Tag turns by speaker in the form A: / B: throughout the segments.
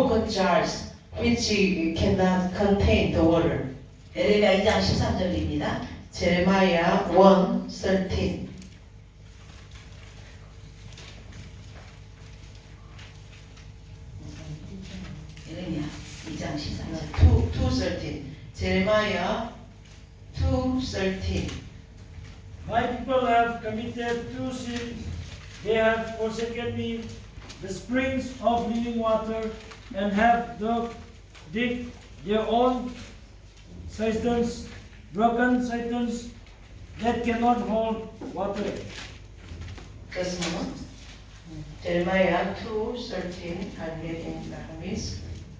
A: broken jars which cannot contain the water.
B: 에레미야 2장 13절입니다.
A: Jeremiah 1:13.
B: 에레미야 2장 13절.
A: 2:13. Jeremiah 2:13.
C: My people have committed two sins. They have forsaken me, the springs of living water, and have digged their own cisterns, broken cisterns that cannot hold water.
A: Just a moment. Jeremiah 2:13. I read in Arabic.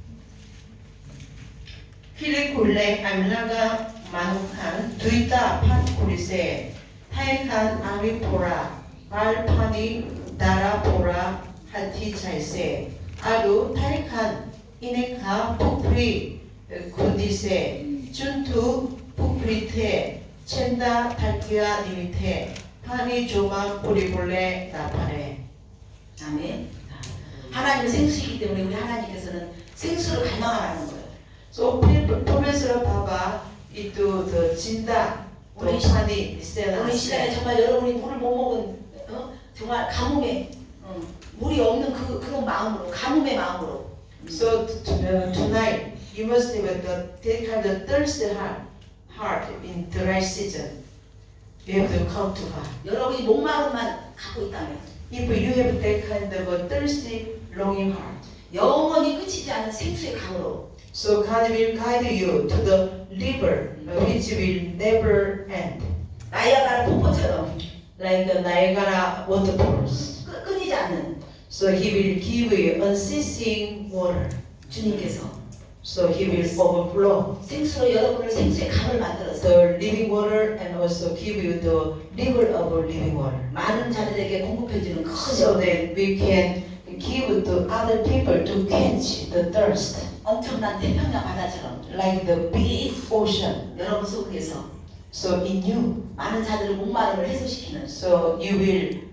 A: 필리굴레 암라가 만욱한 두이다 팟구리세 타이칸 아미포라 말파니 다라포라 하티차이세 아루 타이칸 이네카 푸프리 군디세 준투 푸프리테 첸다 달기아 니미테 파니 조마 뿌리볼레 나파레.
B: 아멘. 하나님은 생수이기 때문에 우리 하나님께서는 생수를 갈망하라는 거예요.
A: So promisero 봐봐 itu the 진다
B: 우리
A: 파니
B: 우리
A: 세라.
B: 시간에 정말 여러분이 물을 못 먹은 정말 가뭄에 물이 없는 그런 마음으로 가뭄의 마음으로.
A: So tonight you must have that kind of thirsty heart in the right season. You have to come to God.
B: 여러분이 목마름만 갖고 있다면
A: If you have that kind of a thirsty, longing heart,
B: 영원히 끝이지 않는 생수의 강으로
A: so God will guide you to the river which will never end,
B: 나이아가라 폭포처럼
A: like the Niagara waterfalls.
B: 끊이지 않는
A: So He will give you unceasing water.
B: 주님께서
A: So He will overflow
B: 생수로 여러분을 생수의 강을 만들어서
A: the living water and also give you the river of living water.
B: 많은 자들에게 공급해주는 큰
A: So that we can give to other people to quench the thirst,
B: 엄청난 태평양 바다처럼
A: like the big ocean.
B: 여러분 속에서
A: So in you,
B: 많은 자들을 목마름을 해소시키는
A: so you will,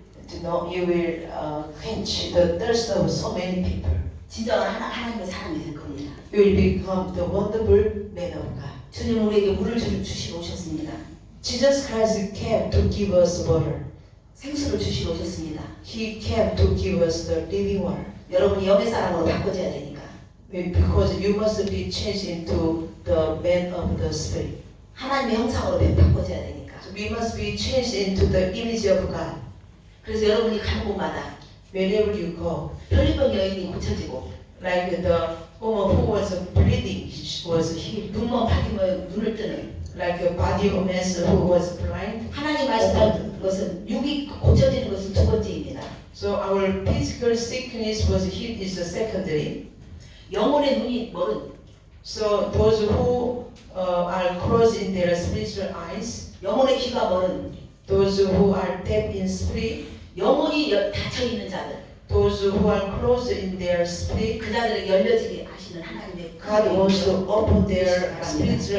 A: quench the thirst of so many people.
B: 진정한 하나님의 사람이 될 겁니다.
A: You will become the wonderful man of God.
B: 주님은 우리에게 물을 주시러 오셨습니다.
A: Jesus Christ came to give us water.
B: 생수를 주시러 오셨습니다.
A: He came to give us the living water.
B: 여러분이 영의 사람으로 바꿔져야 되니까
A: Because you must be changed into the man of the spirit.
B: 하나님의 형상으로 바꿔져야 되니까.
A: So we must be changed into the image of God.
B: 그래서 여러분이 가는 곳마다
A: Wherever you go,
B: 편리병 여인이 고쳐지고
A: like the woman who was bleeding was healed.
B: 눈먼 바디면 눈을 뜨는
A: Like a body of man who was blind.
B: 하나님 말씀한 것은 육이 고쳐지는 것은 두 번째입니다.
A: So our physical sickness was healed is the secondary.
B: 영혼의 눈이 멀은
A: So those who are closed in their spiritual eyes,
B: 영혼의 귀가 멀은
A: those who are deaf in spirit,
B: 영혼이 닫혀 있는 자들
A: those who are closed in their spirit,
B: 그 자들에게 열려지게 하시는 하나님의
A: God wants to open their spiritual